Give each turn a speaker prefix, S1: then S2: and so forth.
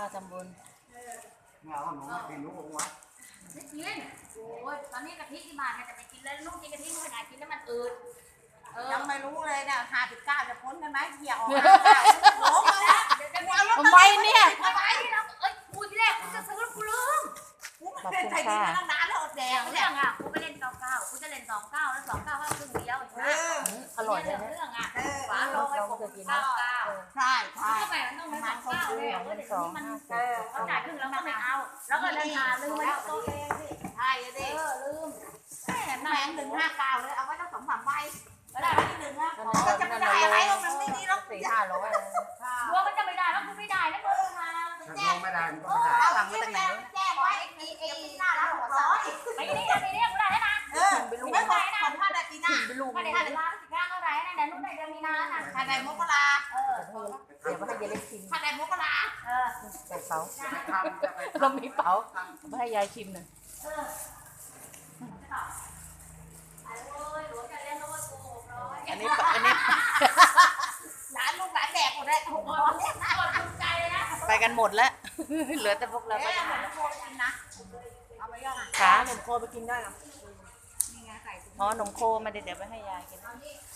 S1: ทำบุญ
S2: เงาหนูไม่กินลูกวะ
S3: ไม่กินโอ้ยตอนนี้กะทิที่บ้านจะไปกินแล้วลูกกินกะทิไม่ได้กินแล้วมันอืด
S4: ยังไม่รู้เลยเนี่ย59จะพ้นกันไหมเที่ยวโอ้โห
S1: ทำไมเนี่ย
S3: ทำไมเรากูที่แรกกูจะซื้อกูลืม
S4: กูไม่เคยใส่ดีมาตั้งนานแล้วอดแด
S3: แด
S4: ง
S3: ง
S4: เนี่
S3: เรื่
S4: ย
S3: องอ่ะกูไปเล่น99กูจะเล่น29แล้ว29ว่าครึ่งเดียวนะ
S1: อร่อย
S3: เรื่
S1: เล
S3: อย ง
S1: นะ
S3: เรื่องอ่ะฝา
S1: เรา
S3: โลงให้ผม
S1: เคยกิน
S3: 99
S4: ใช่ใช่
S3: ทำไมมันต้องไม่29เลยเดี๋ยวนี้มันเขาจ่ายครึ่งแล้วก็ไม่เอาแล้วก็ราคาลืมไว้ตัวเองสิ
S4: ใช่ดิ
S3: ลืม
S4: แม่159เลยเอาไว้ตั้ง2-3ใบก็ได้ที่1นะ
S1: นั่น
S4: ก็จะไม่ได้อะไรหรอกมันไม่ดีหรอก
S1: 400-500
S3: ดวงมันจะไม่ได้แล้วกูไม่ได้แล้วกูมา
S2: ถ้าลงไม่ได้มันก็ไม่ได้
S4: หลังมาจากไหนแจ้งไว้ไอ้หน้าร้านหัวร้อน
S3: ไปนี่ไปนี่กูได้แล้วนะ
S4: ไม่บอกคนถ้าได้ปีหน้า
S3: ถ้าได้ถ้าได้เท่าไหร่นะเดี๋ยวนู้นได้เดือนมีนานะ
S4: ถ้าได้มกรา
S1: เดี๋ยวมาให้ยายเล็กชิม
S4: ถ้าได้มกรา
S1: ใส่เป๋า
S2: ไปทำจะไป
S1: เรามีเป๋ามาให้ยายชิมหน่อย อันนี้
S4: ร้านลูกร้านแดกหมดเลย600เนี่ย
S3: ใจเลยนะ
S1: ไปกันหมดแล้ว เหลือแต่พวกเรา
S4: แล้ว
S1: ก็
S4: เหมือนโคกินนะเอาไปย่องอ่ะ
S1: ขาหนมโคไปกินได้หรอ
S4: นี่ไงใส่ถุง
S1: อ๋อหนมโคมาเดี๋ยวไปให้ยายกิน
S4: เอานี่